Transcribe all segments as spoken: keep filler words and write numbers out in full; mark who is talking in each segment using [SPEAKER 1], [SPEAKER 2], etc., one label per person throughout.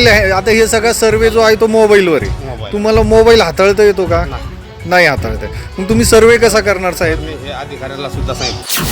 [SPEAKER 1] Mobile आहे, आता हे सगळा सर्वे जो आहे तो मोबाईलवर आहे.
[SPEAKER 2] मोबाईल.
[SPEAKER 1] तुम्हाला मोबाईल हाताळता येतो का?
[SPEAKER 2] नाही.
[SPEAKER 1] नाही हाताळता येत. मग तुम्ही सर्वे कसा करणार साहेब?
[SPEAKER 2] मी हे अधिकाऱ्याला सुद्धा सांगितलं.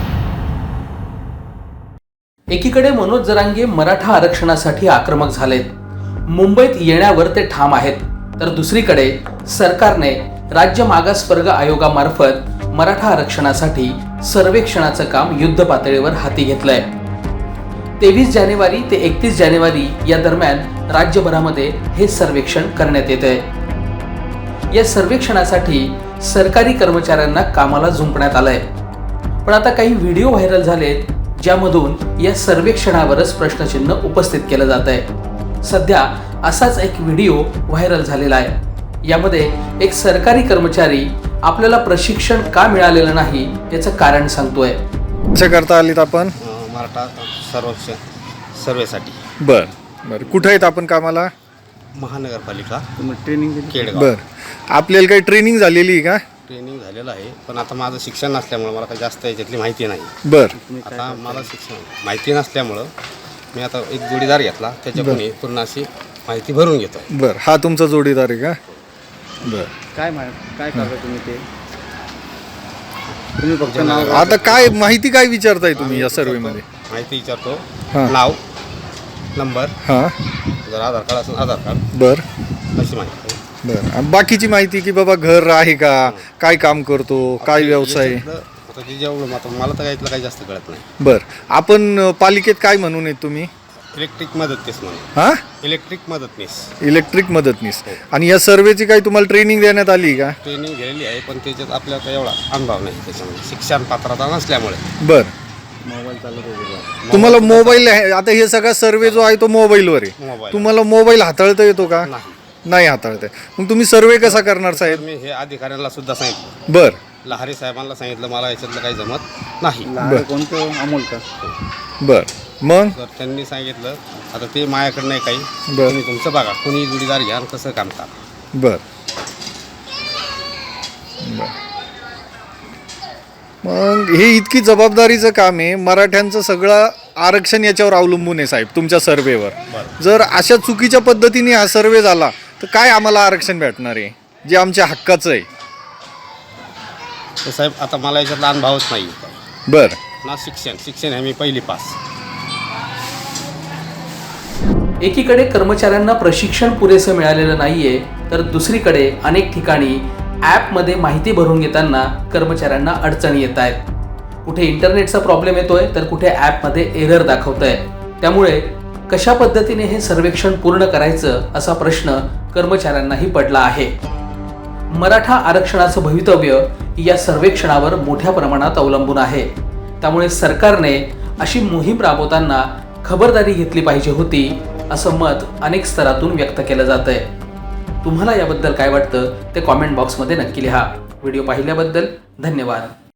[SPEAKER 3] एकीकडे मनोज जरांगे मराठा आरक्षणासाठी आक्रमक झालेत, मुंबईत येण्यावर ते ठाम आहेत, तर दुसरीकडे सरकारने राज्य मागासवर्ग आयोगामार्फत मराठा आरक्षणासाठी सर्वेक्षणाचं काम युद्ध पातळीवर हाती घेतलंय. तेवीस जानेवारी ते एकतीस जानेवारी या दरम्यान राज्यभरामध्ये हे सर्वेक्षण करण्यात येत आहे. या सर्वेक्षणासाठी सरकारी कर्मचाऱ्यांना कामाला झुंपण्यात आलंय. पण आता काही व्हिडिओ व्हायरल झालेत ज्यामधून या सर्वेक्षणावरच प्रश्नचिन्ह उपस्थित केलं जात आहे. सध्या असाच एक व्हिडिओ व्हायरल झालेला आहे. यामध्ये एक सरकारी कर्मचारी आपल्याला प्रशिक्षण का मिळालेलं नाही याचं कारण सांगतोय.
[SPEAKER 1] कशा करता आलीत आपण?
[SPEAKER 2] अं, मराठा सर्वेक्षण सर्वेसाठी.
[SPEAKER 1] बर बर कुठे आहेत आपण कामाला?
[SPEAKER 2] महानगरपालिका
[SPEAKER 4] ट्रेनिंग
[SPEAKER 2] केडगाव.
[SPEAKER 1] बर आपल्याला काही ट्रेनिंग झालेली आहे का?
[SPEAKER 2] ट्रेनिंग झालेलं आहे, पण आता माझं शिक्षण नसल्यामुळं मला काही जास्त याच्यातली माहिती नाही.
[SPEAKER 1] बर
[SPEAKER 2] आता मला शिक्षण माहिती नसल्यामुळं मी आता एक जोडीदार घेतला, त्याच्याकडून पूर्ण अशी माहिती भरून घेतो.
[SPEAKER 1] बर हा तुमचा जोडीदार आहे का? बर
[SPEAKER 4] काय मा- काय करता तुम्ही ते? तुम्ही फक्त नाव
[SPEAKER 1] आता काय माहिती काय विचारताय तुम्ही या सर्वे मध्ये?
[SPEAKER 2] माहिती विचारतो.
[SPEAKER 1] हां.
[SPEAKER 2] नाव, नंबर,
[SPEAKER 1] हां
[SPEAKER 2] जर आधार कार्ड असेल आधार कार्ड,
[SPEAKER 1] बर
[SPEAKER 2] अशी माहिती.
[SPEAKER 1] बर आणि बाकीची माहिती की बाबा घर आहे का, काय काम करतो, काय व्यवसाय?
[SPEAKER 2] याच्यातलं आता ते जेवढं आता मला तर यातलं काही जास्त कळत नाही.
[SPEAKER 1] बर आपण अ, पालिकेत काय म्हणून आहेत तुम्ही?
[SPEAKER 2] इलेक्ट्रिक मदतनीस म्हणून.
[SPEAKER 1] हां
[SPEAKER 2] इलेक्ट्रिक मदतनीस
[SPEAKER 1] इलेक्ट्रिक मदतनीस. आणि या सर्वेची काही तुम्हाला ट्रेनिंग देण्यात आली का?
[SPEAKER 2] ट्रेनिंग गेलेली आहे, पण त्याच्यात आपल्याला काही एवढा अनुभव नाही त्याच्यामध्ये, शिक्षण पात्रता नसल्यामुळे.
[SPEAKER 1] बर
[SPEAKER 4] मोबाईल चालत होते.
[SPEAKER 1] तुम्हाला मोबाईल आहे, आता हे सगळा सर्वे जो आहे तो मोबाईलवर आहे.
[SPEAKER 2] मोबाईल.
[SPEAKER 1] तुम्हाला मोबाईल हाताळता येतो का?
[SPEAKER 2] नाही.
[SPEAKER 1] नाही हाताळता येत. मग तुम्ही सर्वे कसा करणार साहेब?
[SPEAKER 2] मी हे अधिकाऱ्याला सुद्धा सांगितलं,
[SPEAKER 1] बर
[SPEAKER 2] लहारी साहेबांना सांगितलं, मला याच्यातलं काही जमत नाही.
[SPEAKER 4] लहान कोणतं अमोल का?
[SPEAKER 1] बर मग
[SPEAKER 2] तर त्यांनी सांगितलं आता ते माझ्याकडे नाही काही,
[SPEAKER 1] बरं.
[SPEAKER 2] तुम्ही तुमचं बघा, कोणी जोडीदार घ्या आणि कसं काम करा.
[SPEAKER 1] बर बर. मग हे इतकी जबाबदारीचं काम आहे, मराठ्यांचं सगळं आरक्षण याच्यावर अवलंबून आहे साहेब तुमच्या सर्वेवर.
[SPEAKER 2] बरं.
[SPEAKER 1] जर अशा चुकीच्या पद्धतीने हा सर्वे झाला तर काय आम्हाला आरक्षण भेटणार आहे जे आमच्या हक्काचं आहे?
[SPEAKER 2] तर साहेब आता मला याच्यातला अनुभवच नाही
[SPEAKER 1] बर
[SPEAKER 2] ना. शिक्षण शिक्षण आहे मी पहिली पास.
[SPEAKER 3] एकीकडे कर्मचाऱ्यांना प्रशिक्षण पुरेसं मिळालेलं नाहीये, तर दुसरीकडे अनेक ठिकाणी ॲपमध्ये माहिती भरून घेताना कर्मचाऱ्यांना अडचणी येत आहेत. कुठे इंटरनेटचा प्रॉब्लेम येतोय तर कुठे ॲपमध्ये एरर दाखवत आहे. त्यामुळे कशा पद्धतीने हे सर्वेक्षण पूर्ण करायचं असा प्रश्न कर्मचाऱ्यांनाही पडला आहे. मराठा आरक्षणाचं भवितव्य या सर्वेक्षणावर मोठ्या प्रमाणात अवलंबून आहे. त्यामुळे सरकारने अशी मोहीम राबवताना खबरदारी घेतली पाहिजे होती, असं मत अनेक स्तरातून व्यक्त केलं जात आहे. तुम्हाला याबद्दल काय वाटतं ते कॉमेंट बॉक्समध्ये नक्की लिहा. व्हिडिओ पाहिल्याबद्दल धन्यवाद.